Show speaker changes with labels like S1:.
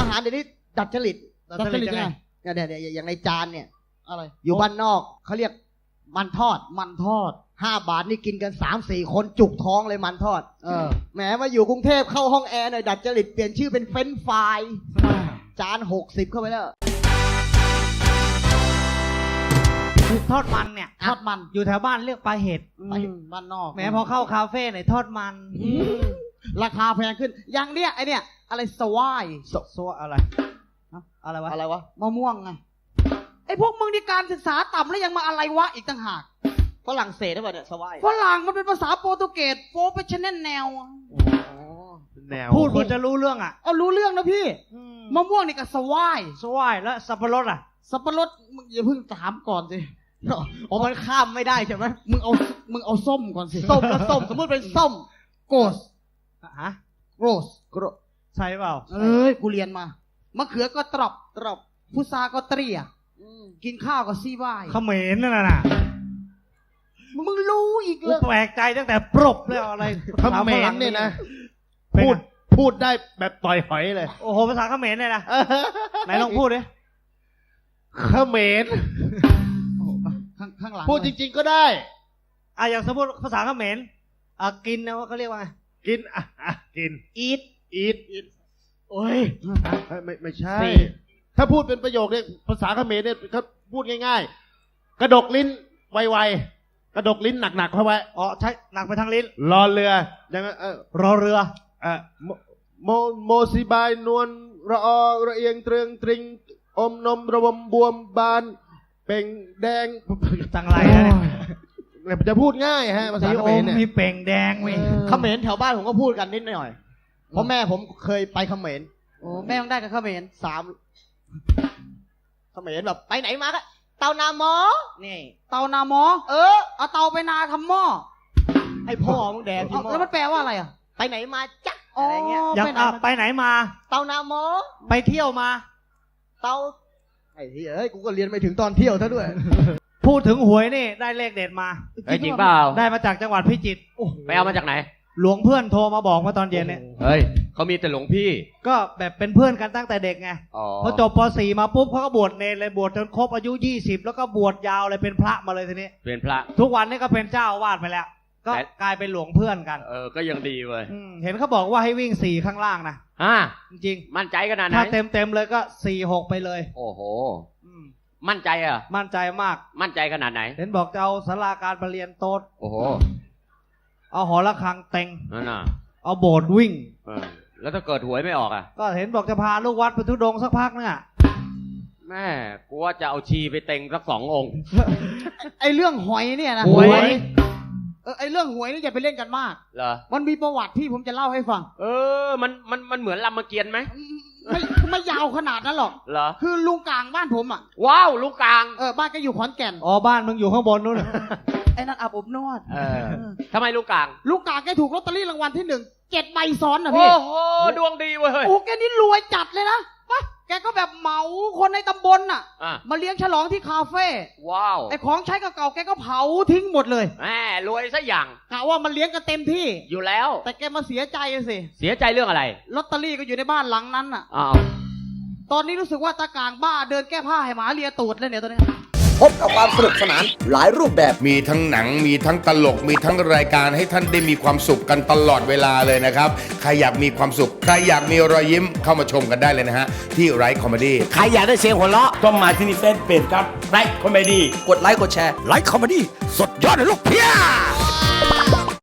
S1: หารเดี๋ยวนี้ดัดจริตยังไงเนี่ยอย่างในจานเนี่ยอะไรอยู่บ้านนอกเขาเรียกมันทอด5 บาทนี่กินกัน 3-4 คนจุกท้องเลยมันทอดแหมมาอยู่กรุงเทพเข้าห้องแอร์หน่อยดัดจริตเปลี่ยนชื่อเป็นเฟรนช์ฟรายจาน60เข้าไปแล้ว
S2: ทอดมันเนี่ยทอดมันอยู่แถวบ้านเรียกปลาเห็ด
S1: บ้านนอก
S2: แหมพอเข้าคาเฟ่เนี่ยทอดมัน
S1: ราคาแพงขึ้นอย่างเนี้ยไอเนี่ยอะไรสวาย
S2: อะไร
S1: อะไรวะ
S2: มะม่วงไงไอพวกมึงในการศึกษาต่ำแล้วยังมาอะไรวะอีกต่างหาก
S1: ฝรั่งเศสหรือเปล่าเนี่ยสวาย
S2: ฝรั่งมันเป็นภาษาโปรตุเกสโฟร์เฟชชั่นแนวพูดเหมือนจะรู้เรื่องอ่ะ
S1: รู้เรื่องนะพี่
S2: มะม่วงนี่ก็สวายแล้วสับปะรดอ่ะ
S1: สับปะรดมึงอย่าเพิ่งถามก่อนสิมันข้ามไม่ได้ใช่ไหมมึงเอาส้มก่อนสิส้มแล้วส้มสมมติเป็นส้มโกสโกส
S2: ใช่เปล่า
S1: กูเรียนมามะเขือก็ตรอบพุทราก็เตรี้ยกินข้าวก็ซี่ว่าย
S2: เขมรนั่นน่ะ
S1: มึงรู้อีกเลย
S2: แปลกใจตั้งแต่ปรบแล้วอะไร
S1: เขมรเนี่ยนะพูดได้แบบต่อยหอยเลย
S2: โอ้โหภาษาเขมรเลยนะไหนลองพูดดิ
S1: เขมรข้างหลังพูดจริงๆก็ได้
S2: อย่างสมมติภาษาเขมรกินนะว่าเขาเรียกว่าไง
S1: กินกินeat โอ้ยไม่ใช่ถ้าพูดเป็นประโยคเนี่ยภาษาเขมรเนี่ยเขาพูดง่ายๆกระดกลิ้นไวๆกระดกลิ้นหนักๆเข้าไว้
S2: ใช่หนักไปทางลิ้น
S1: รอเรือยัง
S2: รอเรือ
S1: โมซิบายนวลระอระเอียงเตรืองตริงอมนมระวมบวมบานเป่งแดง
S2: จังไรนะ
S1: เนี่ยจะพูดง่ายฮะภาษาเขมรเนี่ย
S2: มีเป่งแดงมี
S1: เขมรแถวบ้านผมก็พูดกันนิดหน่อยเพราะแม่ผมเคยไปเขมร
S2: แม่ต้องได้กับเขมร
S1: เขมรแบบไปไหนมาก็เตานาหมอ
S2: นี่เตานาหมอเอาเตาไปนาทำหม้อ
S1: ให้พ่อมึงแดงที่หม้อ
S2: แล้วมันแปลว่าอะไร
S1: ไปไหนมาจ๊ะอะไรเงี้ย
S2: ไปไหนมา
S1: เตานาหมอ
S2: ไปเที่ยวมา
S1: เตาไอ้ที่กูก็เรียนไม่ถึงตอนเที่ยวซะด้วย
S2: พูดถึงหวยนี่ได้เลขเด็ดมา
S3: จริงเปล่า
S2: ได้มาจากจังหวัดพิจิตร
S3: ไปเอามาจากไหน
S2: หลวงเพื่อนโทรมาบอกมาตอนเย็นเนี่ย
S3: เฮ้ยเขามีแต่หลวงพี่
S2: ก็แบบเป็นเพื่อนกันตั้งแต่เด็กไงพอจบป .4 มาปุ๊บเขาก็บวชเนรเลยบวชจนครบอายุ20แล้วก็บวชยาวเลยเป็นพระมาเลยทีนี้
S3: เป็นพระ
S2: ทุกวันนี้ก็เป็นเจ้าอาวาสไปแล้วก็กลายเป็นหลวงเพื่อนกัน
S3: ก็ยังดีเว้ย
S2: เห็นเขาบอกว่าให้วิ่ง4ข้างล่างนะจริง
S3: มั่นใจขนาดไหน
S2: ถ้าเต็มเลยก็4-6ไปเลย
S3: โอ้โหมั่นใจ
S2: มั่นใจมาก
S3: มั่นใจขนาดไหน
S2: เห็นบอกจะเอาศาลาการประเรียนโต๊ด
S3: โอ้โห
S2: เอาหอระฆังเต็ง
S3: นั่นน่ะ
S2: เอาโบสถ์วิ่ง
S3: แล้วถ้าเกิดหวยไม่ออก
S2: ก็เห็นบอกจะพาลูกวัดไปทุดงสักพักนึง
S3: แม่กูว่าจะเอาชีไปเต็งสัก2 องค์
S1: ไอเรื่องหวยเนี่ยนะ
S3: หวย
S1: ไอเรื่องหวยนี่อย่าไปเล่นกันมาก
S3: เหรอ
S1: มันมีประวัติที่ผมจะเล่าให้ฟัง
S3: มันเหมือนรามเกียรติ์ไหม
S1: ไม่ยาวขนาดนั้นหรอก
S3: เหรอ
S1: คือลุงกลางบ้านผม
S3: ว้าวลุงกลาง
S1: บ้านก็อยู่ขอนแก่น
S2: บ้านมึงอยู่ข้างบนนู้น
S1: ไอ้นั่นอาบอบนวด
S3: ทำไมลุงกลาง
S1: แกถูกลอตเตอรี่รางวัลที่1 7 ใบซ้อนพี่
S3: โอ้โหดวงดีเว้ย
S1: แกนี่รวยจัดเลยนะแกก็แบบเหมาคนในตำบลมาเลี้ยงฉลองที่คาเฟ่
S3: ว้าว
S1: ไอ้ของใช้เก่าๆแกก็เผาทิ้งหมดเลย
S3: แหมรวยซะอย่าง
S1: กะว่ามันเลี้ยงกันเต็มที่
S3: อยู่แล้ว
S1: แต่แกมาเสียใจสิ
S3: เสียใจเรื่องอะไร
S1: ลอตเตอรี่ก็อยู่ในบ้านหลังนั้นตอนนี้รู้สึกว่าตากลางบ้าเดินแก้ผ้าให้หมาเลียตูดเลยเนี่ยตอนนี้
S4: พบกับความสนุกสนานหลายรูปแบบ
S5: มีทั้งหนังมีทั้งตลกมีทั้งรายการให้ท่านได้มีความสุขกันตลอดเวลาเลยนะครับใครอยากมีความสุขใครอยากมีรอยยิ้มเข้ามาชมกันได้เลยนะฮะที่ไรคอมเมดี้
S4: ใครอยากได้เสียงหัวเราะ
S6: ต้องมาที่นี่เฟซเพจครับไรคอมเมดี้
S4: กดไลค์กดแชร์
S6: ไรคอมเมดี้สดยอดเลยลูกเพี้ย